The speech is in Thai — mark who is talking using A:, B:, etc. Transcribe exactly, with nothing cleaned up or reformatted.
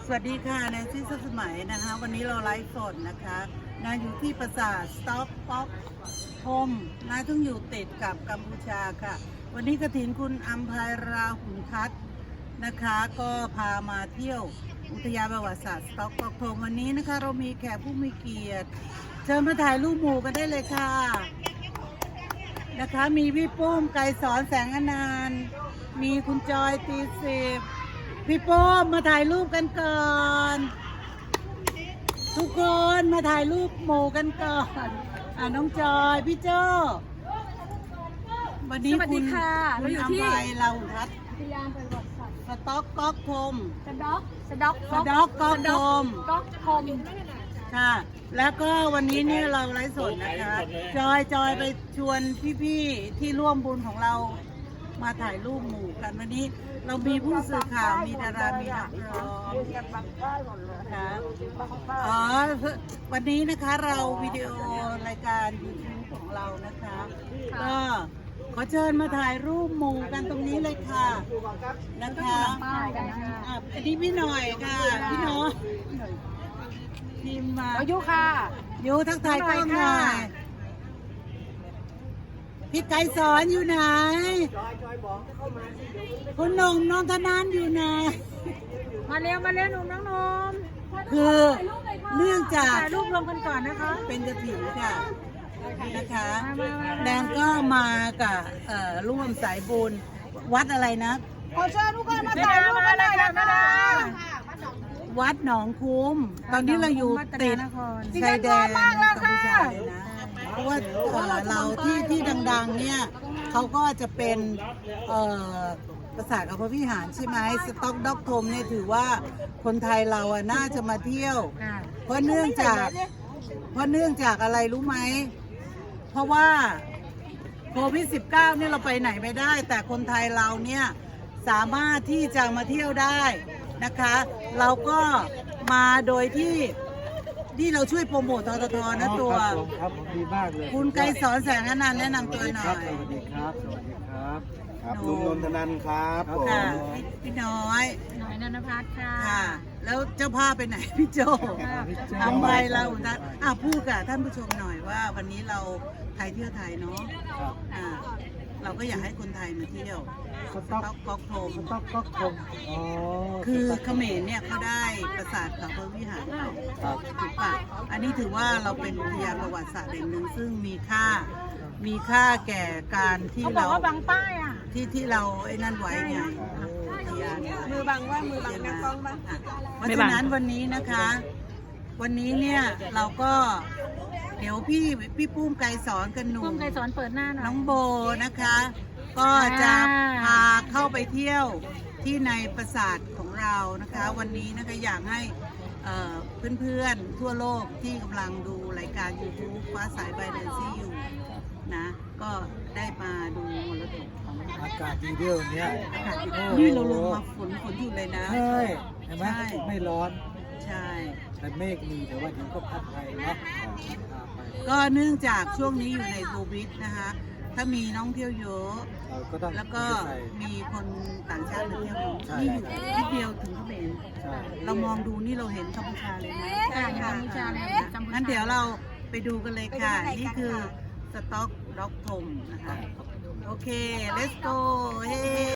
A: สวัสดีค่ะแนนซี่สุขสมัยนะคะวันนี้เราไลฟ์สดนะคะนะอยู่ที่ปราสาทสต็อกป๊อกโฮมนะซึ่งอยู่ติดกับกัมพูชาค่ะวันนี้กฐินคุณอัมภัยราหุนทัศน์นะคะก็พามาเที่ยวอุทยานประวัติศาสตร์สต็อกป๊อกโฮมวันนี้นะคะเรามีแขกผู้มีเกียรติเชิญมาถ่ายรูปหมู่กันได้เลยค่ะนะคะมีพี่ปุ้มไกรสอนแสงอนานต์มีคุณจอยตีสิบพี่โป้มมาถ่ายรูปกันก่อนทุกคนมาถ่ายรูปหมู่กันก่อนอ่าน้องจอยพี่โจ้วันนี้คุณเราอยู่ที่เราทัศน์สต็อกก๊อกโฮมสต็อกสต็อกสต็อกก๊อกโฮมก๊อกโฮมค่ะแล้วก็วันนี้เนี่ยเราไลฟ์สดนะคะจอยจอยไปชวนพี่ๆที่ร่วมบุญของเรามาถ่ายรูปหมู่กันวันนี้เรามีผู้สื่อข่าวมีดารามีนักร้องค่ะอ๋อวันนี้นะคะเราวิดีโอรายการ ยูทูบ ของเรานะคะก็ขอเชิญมาถ่ายรูปหมู่กันตรงนี้เลยค่ะนะคะอ่ะอันนี้พี่หน่อยค่ะพี่น้องทีมมา
B: ยุค่ะ
A: ยุทักทายกล้องหน่อยพี่ไก่สอนอยู่ไหนคุณหนุ่มน้องธนานอยู่ไหน
B: มาเร็วมาเร็วหนุ่มน้องนม
A: คือเนื่องจาก
B: ถ่ายรูปรวมกันก่อนนะคะ
A: เป็นกฐินค่ะนะคะแดงก็มากับร่วมสายบุญวัดอะไรนะ
B: ขอเชิญทุกคนมาถ่ายรูปกันเลยนะคะ
A: วัดหนองคุ้มตอนนี้เราอยู่ติดชายแดนกัมพูชาเลยนะเพราะว่าเราที่ที่ดังๆเนี่ยเขาก็จะเป็นปราสาทอภวิหารใช่ไหมสต็อกด็อกโฮมเนี่ยถือว่าคนไทยเราอ่ะน่าจะมาเที่ยวเพราะเนื่องจากเพราะเนื่องจากอะไรรู้ไหมเพราะว่าโควิด สิบเก้า เนี่ยเราไปไหนไม่ได้แต่คนไทยเราเนี่ยสามารถที่จะมาเที่ยวได้นะคะเราก็มาโดยที่ที่เราช่วยโปรโมททททนะตัว
C: ครับดีมากเลย
A: คุณไกรสอนแสงอนันต์แนะนำตัวหน่อย
C: สวัสดีครับสวัสดีครับ
D: ครับลุงนนทนันท์ครับผม
A: พี่น้อย
B: หน่อยนันพัฒน์ค่ะ
A: ค่ะแล้วเจ้าภาพไปไหนพี่โจทำไปเราอ่ะพูดกับท่านผู้ชมหน่อยว่าวันนี้เราไทยเที่ยวไทยเนาะอ่าเราก็อยากให้คนไทยมาเที่ยว
C: สต็อก
A: ก๊อกโฮม
C: สต็อกก๊อกโฮมอ๋อ
A: คือเขมรเนี่ยเขาได้ปราสาทเขาพระวิหารถูกปะอันนี้ถือว่าเราเป็นอุทยานประวัติศาสตร์แห่งหนึ่งซึ่งมีค่ามีค่าแก่การที่เรา
B: บอกว่าบังป้ายอ่ะ
A: ที่ที่เราไอ้นั่นไว้ไง
B: มือบังว่ามือบังนักกล้องบ้าง
A: เพราะฉะนั้นวันนี้นะคะวันนี้เนี่ยเราก็เดี๋ยวพี่พี่ปุ้มไกรสอนกันหนุ่ม
B: ปุ้มไกรสอนเปิดหน้าหน่อย
A: น้องโบนะคะก็จะพาเข้าไปเที่ยวที่ในปราสาทของเรานะคะวันนี้นะคะอยากให้เพื่อนๆทั่วโลกที่กำลังดูรายการ ยูทูบ ฟ้าสายบายแนนซี่อยู่นะก็ได้มาดูมรดกของ
C: อากาศดีเดียวเนี้ย
A: อากาศดีนี่เราลงมาฝนฝนอยู่เลยนะ
C: ใช่เห็นไหมไม่ร้อน
A: ใช่
C: แต่เมฆมีแต่ว่าเดี๋ยวก็พัดไปเนาะ
A: ก็เนื่องจากช่วงนี้อยู่ในโควิดนะคะถ้ามีน้องเที่ยวเยอะแล้วก็มีคนต่างชาติมาเที่ยวนี่อยู่นิดเดียวถึงเขมรเรามองดูนี่เราเห็นกัมพูชาเลยนะ
B: กัมพูชาเลย
A: งั้นเดี๋ยวเราไปดูกันเลยค่ะนี่คือสต็อกด็อกโฮมนะคะโอเค let's go เฮ้